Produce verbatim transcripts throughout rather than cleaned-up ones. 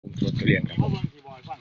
ผมสวนทุเรียนครับเขาเบิ่งที่บอยฟัง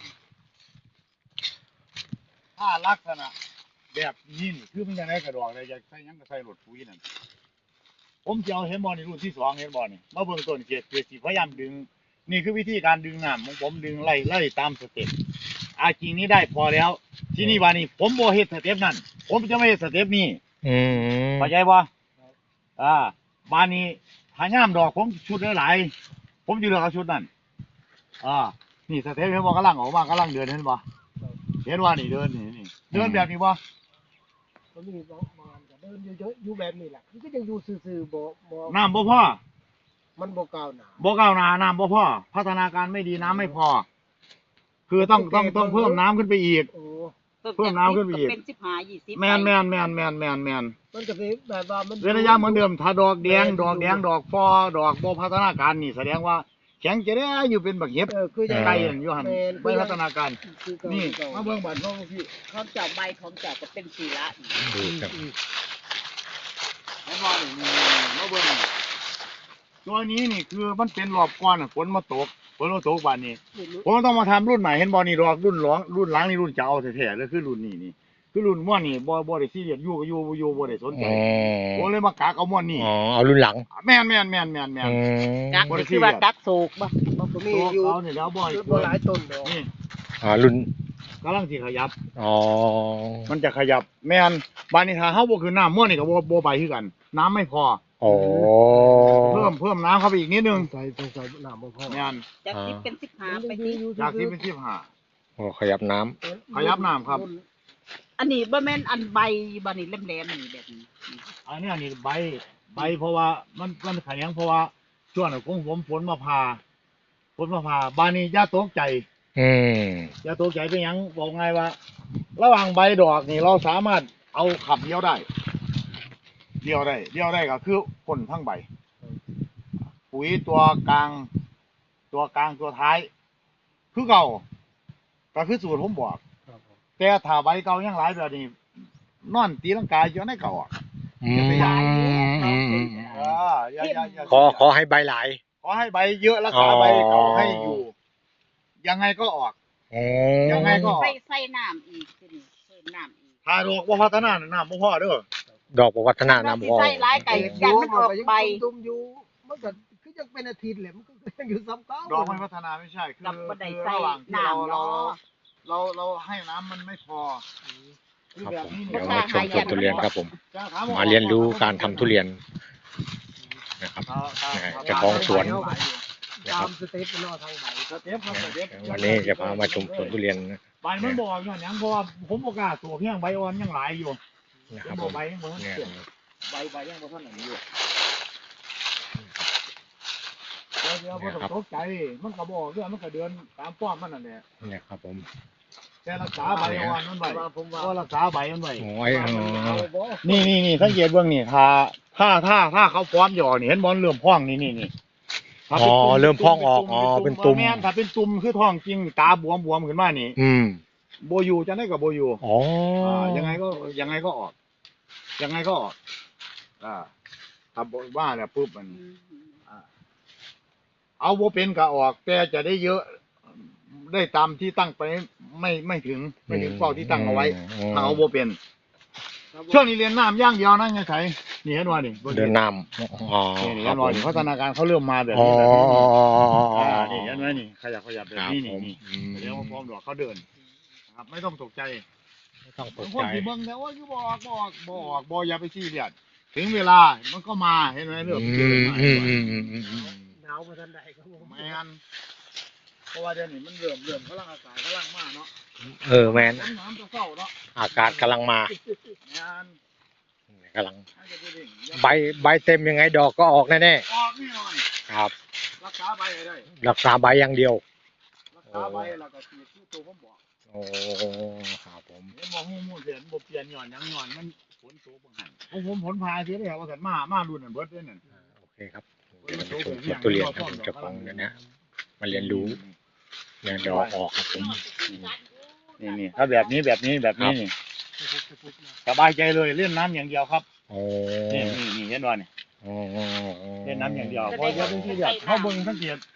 ถ้าลักษณะแบบนี้นี่คือมันยังไงกระดอกเลยจะใส่ยังก็ใส่รถปุ๋ยนั่นผมจะเอาเห็นบอลในรุ่นที่สองเห็นบอลนี่มาเบิ่งต้นเกียรติพยายามดึงนี่คือวิธีการดึงน้ำของผมดึงไล่ไล่ตามสเต็ปอาจริงนี้ได้พอแล้ว ที่นี่วานี่ผมโบเฮ็ดสเต็ปนั่นผมจะไม่เฮ็ดสเต็ปนี้อืมเข้าใจบ่อ่าบานนี้ถ้าย่ามดอกผมชุดหลายๆผมจะเลือกเอาชุดนั้นอ่านี่สเต็ปเห็นบ่กำลังออกมากำลังเดินเห็นบ่เห็นว่านี่เดินนี่นี่เดินแบบนี้บ่มันมีบางก็เดินเยอะๆอยู่แบบนี้แหละมันก็ยังอยู่ซื่อๆบ่บ่น้ำบ่พอมันบ่ก้าวหน้าบ่ก้าวหน้าน้ำบ่พอพัฒนาการไม่ดีน้ำไม่พอ คือต้องต้องต้องเพิ่มน้ำขึ้นไปอีกโอ้เพิ่มน้ำขึ้นไปอีกเป็นสิบห้ายี่สิบแม่นแม่นแม่นแม่นแม่นแม่นมันก็สิแบบว่ามันเว้นระยะเหมือนเดิมถ้าดอกแดงดอกแดงดอกฟอดอกบ่พัฒนาการนี่แสดงว่าแข็งจะได้อยู่เป็นบักเห็บเออคือยังไก่นั่นอยู่หั่นไม่พัฒนาการคือเก่านี่คือมาเก่าเบิ่งบัดพ่อพี่พร้อมเจ้าใบพร้อมเจ้าก็เป็นสีละดูครับเห็นบ่นี่นี่มาเบิ่งนี่ตัวนี้นี่คือมันเป็นรอบก่อนน่ะฝนมาตกฝนมาตกบัดนี้ ผมต้องมาทำรุ่นใหม่เห็นบอนี่ดอกรุ่นหลองรุ่นหลังนี่รุ่นเจ้าแท้ๆเลยคือรุ่นนี้นี่คือรุ่นม่วนนี่บ่บ่ได้ซีเรียสอยู่ก็อยู่บ่อยู่บ่ได้สนใจอ๋อผมเลยมากากเอาม่วนนี่อ๋อเอารุ่นหลังแม่นแม่นแม่นแม่นแม่นอืมกักนี่คือว่ากักโศกบ่มันก็มีตัวอยู่เขานี่แล้วบ่อยบ่หลายต้นดอกนี่อ๋อรุ่นกำลังสิขยับอ๋อมันจะขยับแม่นบานนี้ถ้าเฮาบ่คือน้ำม่วนนี่ก็บ่บ่ไปคือกัน น้ำไม่พออ๋อเพิ่มเพิ่มน้ำเข้าไปอีกนิดนึงใส่ใส่น้ำบ่พอแม่นจากสิบเป็นสิบห้ามันไปยังสิอยู่จากที่เป็นสิบห้าโอ้ขยับน้ำขยับน้ำครับอันนี้บ่แม่นอันใบบ่นี่แหลมๆนี่แบบนี้อันนี้นี่ใบใบเพราะว่ามันมันแข็งเพราะว่าช่วงนั้นของผมฝนมาพาฝนมาพาบานนี้อย่าตกใจอืมอย่าตกใจเป็นหยังบอกไงว่า ระหว่างใบดอกนี่เราสามารถเอาขับเดียวได้เดียวได้เดียวได้ก็คือพ่นทั้งใบ ปุ๋ยตัวกลาง ตัวกลางตัวท้าย คือเก่าก็คือสูตรผมบอกครับผมแต่ถ้าใบเก่ายังหลายแบบนี้นอนตีลังกายอยู่ในเก่าอ่ะอืมอืมเอออย่าอย่าอย่าขอขอให้ใบหลายขอให้ใบเยอะรักษาใบเก่าให้อยู่ ยังไงก็ออกอ๋อยังไงก็ใส่ใส่น้ำอีกทีนี้เพิ่มน้ำอีกถ้าดอกว่าพัฒนาน้ำบ่พอเด้อดอกประวัฒนาน้ำสิพอใส่หลายไก่ยันมันออกใบตุ่มๆอยู่มันก็คือยังเป็นอาทิตย์แหละมันก็ยังอยู่ซ้ำเก่าดอกไม่พัฒนาไม่ใช่คือกับบ่ได้คือใส่ระหว่างที่เราน้ำเราเนาะเราเราให้น้ำมันไม่พอคือครับแบบผมนี้เดี๋ยวมาชมสวนทุเรียนครับผมจะถว่มาเรียนรู้การทำทุเรียนนะครับถ้าถ้าเจ้าของสวน นะคตารับมสเต็ปมันเอาทางไหนสเต็ปครับสเต็ปวันนี้จะพามาชมสวนทุเรียนนะใบมันบอกอยู่อย่างเพราะว่าผมบอกล้าตัวเพียงใบอ่อนยังหลายอยู่นะครับบผอกมใบยังบ่ทันเนี่ยเสื่อมใบใบยังบ่ทันอันนี้อยู่เดี๋ยวเดี๋ยวบ่ต้องตกใจมันก็บอกเรื่องมันก็เดินตามป้อมมันนั่นแหละเนี่ยครับผมแต่รักษาใบอ่อนมันไว้ว่าผมว่าก็รักษาใบมันไว้โอ้ยเอาบ่นี่นี่นี่สังเกตเบื้องนี่ถ้าถ้าถ้าถ้าเขาพร้อมหย่อนี่เห็นบอลเริ่มพ่องนี่นี่นี่ถ้าอ๋อป็นตุ่เริ่มพองออกอ๋อเป็นตุ่มแม่นถ้าเป็นตุ่มคือท้องจริงตาบวมบวมขึ้นมานี่อืมโบอยูจะได้กับโบอยูอ๋ออ่ายังไงก็ยังไงก็ออก ยังไงก็ออกอ่าถ้าบอกว่าแล้วปุ๊บมัน อ่าเอาโบเป็นก็ออก แต่จะได้เยอะ ได้ตามที่ตั้งไปไม่ไม่ถึงไม่ถึงเป้าที่ตั้งเอาไว้ถ้าเอาโบเป็น ช่วงนี้เรียนน้ำย่างเดียวนะไงไสนี่เห็นว่านี่เดินน้ำอ๋อนี่นี่ครัเห็บนผว่าม นี่พัฒนาการเขาเริ่มมาแบบอ๋อนี้แบบนี้อ๋ออ่านี่เห็นไหมนี่ขยับขยับแบบครับนี้ผนี่มนี่อืมเดี๋ยวพร้อมดอกเขาเดินนะครับไม่ต้องตกใจไม่ต้องตบางกคใจนที่เบิ่งแต่ว่าคือบอกบอกบอกบอกอย่าไปซีเรียสถึงเวลามันก็มาเห็นไหมเรื่องอืเดินมมาอืมอืมอืมอืมอืมหนาวมาทันใดก็บ่แมนเพราะว่าเดี๋ยวนี้มันเริ่มเริ่มกำลังอากาศกำลังมาเนาะเออแมนฝนน้ำจะเศร้าเนาะอากาศกำลังมาแมนกำลังให้จะไปดิ่งใบใบเต็มยังไงดอกก็ออกแน่ออกแน่นอนๆครับรักษาใบให้ได้รักษาใบอย่างเดียวรักษาใบแล้วก็ฉีดที่ตัวผมบอกโอ้ครับผมเห็นบอกหูมูเสียนบ่เปลี่ยนหย่อนหยังหย่อนมันฝนตกบ่หันของผมผลพายเสียแล้วว่าสันมามารุ่นนั่นเบิดเด้อนั่นโอเคครับเดี๋ยวมาชมสวนทุเรียนครับผมเจ้าของเนี่ยนะมาเรียนรู้เนี่ยดอกออกครับผมนี่นี่ถ้าแบบนี้แบบนี้แบบนี้นี่สบายใจเลยเล่นน้ำอย่างเดียวครับโอ้นี่นี่นี่เห็นว่านี่โอ้เล่นน้ำอย่างเดียวเพราะเดี๋ยวเป็นที่เดียวเขาเบิ่งสังเกต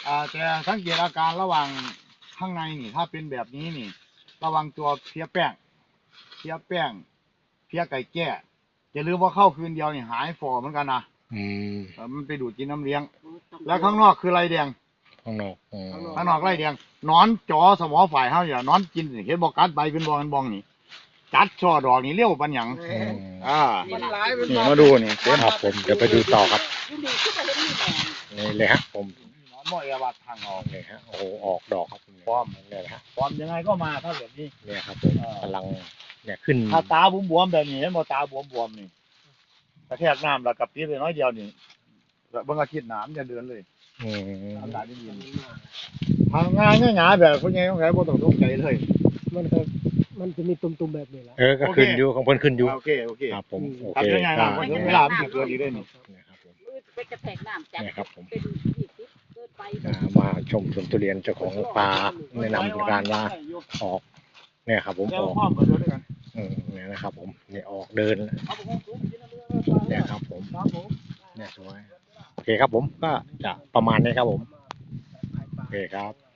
อ่าแต่สังเกตอาการระหว่างข้างในนี่ ถ้าเป็นแบบนี้นี่ ระวังตัวเพี้ยแป้งเพี้ยแป้งเพี้ยไก่แก้อย่าลืมว่าเข้าคืนเดียวนี่หายฟอเหมือนกันนะอืมเออมันไปดูดกินน้ำเลี้ยง แล้วข้างนอกคือไรแดงข้างนอกอืมข้างนอกไรแดงนอนจอสมอฝ่ายเฮาอย่านอนกินสิเห็นบอกกัดใบเป็นบองเป็นบองนี่จัดช่อดอกนี่เลี้ยวปันหยังอืมอ่ามันหลายเป็นนี่มาดูนี่เต็มครับผมเดี๋ยวไปดูต่อครับอยู่นี่คือบ่เห็นมีแดงนี่เลยฮะผมนอนบ่อยวัดทางออกนี่ฮะโอ้โหออกดอกครับพร้อมเนี่ยนะฮะพร้อมยังไงก็มาถ้าแบบนี้เนี่ยครับผมกำลังเนี่ยขึ้นถ้าตาบวมๆแบบนี้เห็นบ่ตาบวมๆนี่กระแทกน้ำแล้วกับปีไปน้อยเดียวนี่แล้วเบิ่งอาทิตย์หน้ามันจะเดินเลยอืมอากาศดีๆทางงานง่ายๆแบบคนใหญ่ของใครบ่ต้องตกใจเลยมันก็มันจะมีตุ่มๆแบบนี้แหละเออก็ขึ้นอยู่ของเพิ่นขึ้นอยู่โอเคโอเคครับผมโอทำเคยังไงล่ะมันถึงเวลามันสิเกิดอีกได้นี่เนี่ยครับผมมือไปกระแทกน้ำจับเนี่ยครับผมเป็นยี่สิบเกินไปอ่ามาชมสวนทุเรียนเจ้าของป่าแนะนำการว่าออกเนี่ยครับผมแล้อวอกพร้อมกันด้วยกันอืมเนี่ยนะครับผมเนี่ยออกเดินเอาไปของสูงกินน้ำเลือดเนี่ยครับผมครับผมเนี่ยสวยโอเคครับผมก็จะประมาณนี้ครับผมโอเคครับ